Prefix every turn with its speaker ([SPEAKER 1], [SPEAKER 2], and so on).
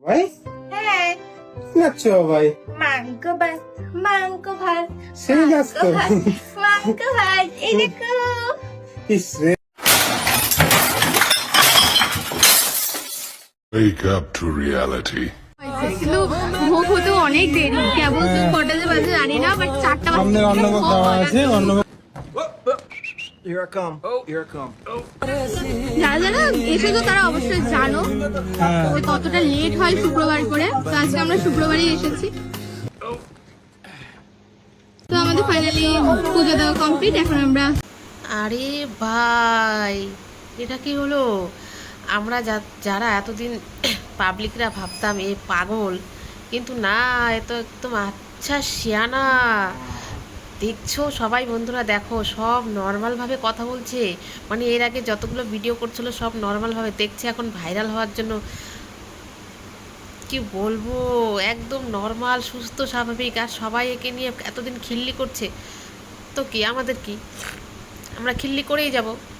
[SPEAKER 1] ভাই
[SPEAKER 2] হ্যাঁ
[SPEAKER 1] নাচছো ভাই
[SPEAKER 2] মাংস ভাত মাংস ভাত
[SPEAKER 1] সেই নাচ তো
[SPEAKER 2] মাংস ভাত এই দেখো
[SPEAKER 1] ইসরে
[SPEAKER 3] Wake up to reality.
[SPEAKER 4] কিন্তু ভোগ হতে অনেক দেরি, কেবল কটা যে বাজে জানি না, বাট 4টা
[SPEAKER 1] সামনে অন্নভোগ দেওয়া আছে অন্নভোগ
[SPEAKER 5] Here I come. Oh, here I come.
[SPEAKER 4] যারা যারা এসেছো তারা অবশ্যই জানো যে কতটা লেট হয় শুক্রবার করে। তো আজকে আমরা শুক্রবারই এসেছি। তো আমাদের ফাইনালি পুজো দেওয়া কমপ্লিট। এখন আমরা
[SPEAKER 6] আরে ভাই, এটা কি হলো? আমরা যারা এতদিন পাবলিকরা ভাবতাম এ পাগল, কিন্তু না, এ তো একদম আচ্ছা শিয়ানা। দেখছো সবাই, বন্ধুরা দেখো, সব নর্মালভাবে কথা বলছে। মানে এর আগে যতগুলো ভিডিও করছিল সব নর্মালভাবে দেখছে, এখন ভাইরাল হওয়ার জন্য কি বলবো, একদম নর্মাল সুস্থ স্বাভাবিক। আর সবাই একে নিয়ে এতদিন খিল্লি করছে, তো কি আমাদের কি, আমরা খিল্লি করেই যাব।